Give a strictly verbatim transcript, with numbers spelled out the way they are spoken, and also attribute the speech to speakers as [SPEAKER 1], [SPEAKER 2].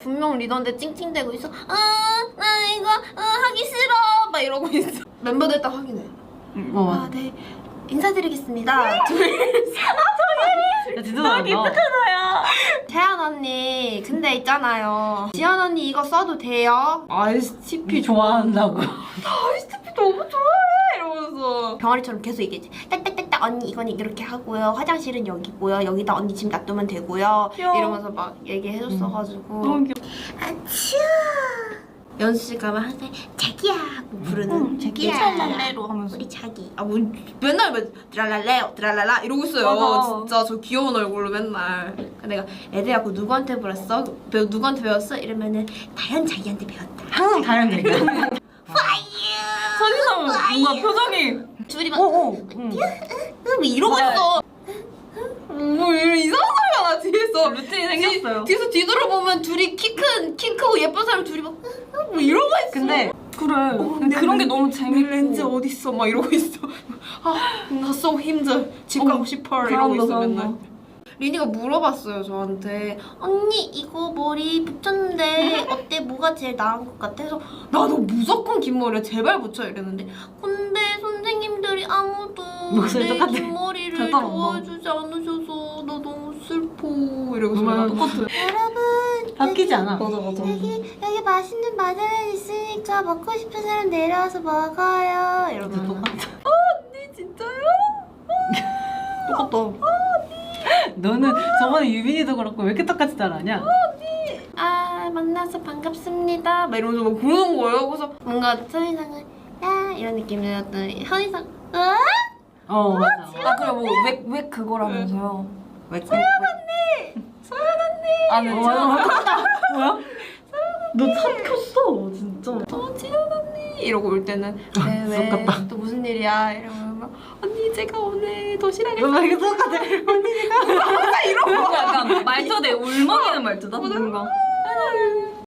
[SPEAKER 1] 분명 리더인데 찡찡대고 있어. 아, 나 이거 아, 하기 싫어 막 이러고 있어. 멤버들 딱 확인해.
[SPEAKER 2] 응, 어.
[SPEAKER 1] 아, 네. 인사드리겠습니다. 둘.
[SPEAKER 2] 야, 진짜 잘한다.
[SPEAKER 1] 태연 언니, 근데 있잖아요. 지연 언니 이거 써도 돼요?
[SPEAKER 2] 아이에스티피 좋아한다고.
[SPEAKER 1] 아이스티피 너무 좋아해! 이러면서 병아리처럼 계속 얘기했지. 딱딱딱딱 언니 이건 이렇게 하고요. 화장실은 여기고요. 여기다 언니 짐 놔두면 되고요.
[SPEAKER 2] 귀여워.
[SPEAKER 1] 이러면서 막 얘기해줬어가지고.
[SPEAKER 2] 너무 귀여워.
[SPEAKER 1] 아츄! 연습실 가면 항상 자기야 하고 부르는.
[SPEAKER 2] 응,
[SPEAKER 1] 자기야.
[SPEAKER 2] 이천만배로 하면서.
[SPEAKER 1] 우리 자기. 아, 뭐 맨날 막 드랄랄레요, 드랄랄라 이러고 있어요.
[SPEAKER 2] 맞아.
[SPEAKER 1] 진짜 저 귀여운 얼굴로 맨날. 내가 애들야 그거 누구한테 배웠어? 배우 누구한테 배웠어? 이러면은 다현 자기한테 배웠다.
[SPEAKER 2] 항상 다른데.
[SPEAKER 1] 파이어.
[SPEAKER 2] 서지서 뭔가 표정이.
[SPEAKER 1] 둘이 막
[SPEAKER 2] 오오. 응.
[SPEAKER 1] 뭐 이러고
[SPEAKER 2] 맞아요.
[SPEAKER 1] 있어. 뭐 이런 이상한 소리가 나 뒤에서.
[SPEAKER 2] 루틴이 생겼어요.
[SPEAKER 1] 뒤에서 뒤돌아보면 둘이 키 큰, 키 크고 예쁜 사람 둘이 막 뭐 이러고 있어.
[SPEAKER 2] 근데 그래.
[SPEAKER 1] 어,
[SPEAKER 2] 근데 그런 게 너무
[SPEAKER 1] 내
[SPEAKER 2] 재밌고.
[SPEAKER 1] 렌즈 어딨어? 막 이러고 있어. 아, 나 so 힘들어. 집 가고
[SPEAKER 2] 어,
[SPEAKER 1] 싶어. 이러고
[SPEAKER 2] 잘한다,
[SPEAKER 1] 있어 맨날.
[SPEAKER 2] 잘한다.
[SPEAKER 1] 리니가 물어봤어요 저한테. 언니 이거 머리 붙였는데 어때? 뭐가 제일 나은 것 같아? 그래서 나도 무조건 긴 머리야. 제발 붙여 이랬는데 근데 선생님들이 아무도
[SPEAKER 2] 목소리
[SPEAKER 1] 내
[SPEAKER 2] 똑같아.
[SPEAKER 1] 긴 머리를
[SPEAKER 2] 잘 따라온다.
[SPEAKER 1] 좋아해주지 않으셔서 나 너무 슬퍼. 이러고
[SPEAKER 2] 정말
[SPEAKER 1] 있어.
[SPEAKER 2] 똑같아.
[SPEAKER 1] 여러분
[SPEAKER 2] 바뀌지 않아.
[SPEAKER 3] 맞아 맞아.
[SPEAKER 1] 여기 여기 맛있는 마늘은 있으니까 먹고 싶은 사람 내려와서 먹어요.
[SPEAKER 2] 진짜
[SPEAKER 1] 이러면
[SPEAKER 2] 똑같아.
[SPEAKER 1] 언니 진짜요?
[SPEAKER 2] 똑같다. 너는 저번에 유빈이도 그렇고 왜 이렇게 똑같이 잘하냐?
[SPEAKER 1] 아 만나서 반갑습니다. 막 이러면서 막 그러는 거예요. 그래서 뭔가 서희상은 야 이런 느낌이었더니 현희상 어?
[SPEAKER 2] 어 맞아.
[SPEAKER 3] 아 그래 뭐왜 왜 그거라면서요?
[SPEAKER 2] 왜?
[SPEAKER 1] 소연 언니! 소연 언니!
[SPEAKER 3] 아 네.
[SPEAKER 2] 어, 맞아, 똑같다. 뭐야? 너 삼켰어 진짜.
[SPEAKER 1] 어 지연 언니! 이러고 올 때는 왜 왜?
[SPEAKER 2] 똑같다.
[SPEAKER 1] 또 무슨 일이야? 이러면 막 언니 제가 오늘 도시락을
[SPEAKER 2] 너 이게 똑같아.
[SPEAKER 1] 이러고
[SPEAKER 3] 약간 말투 내 울먹이는 말투다 뭔가.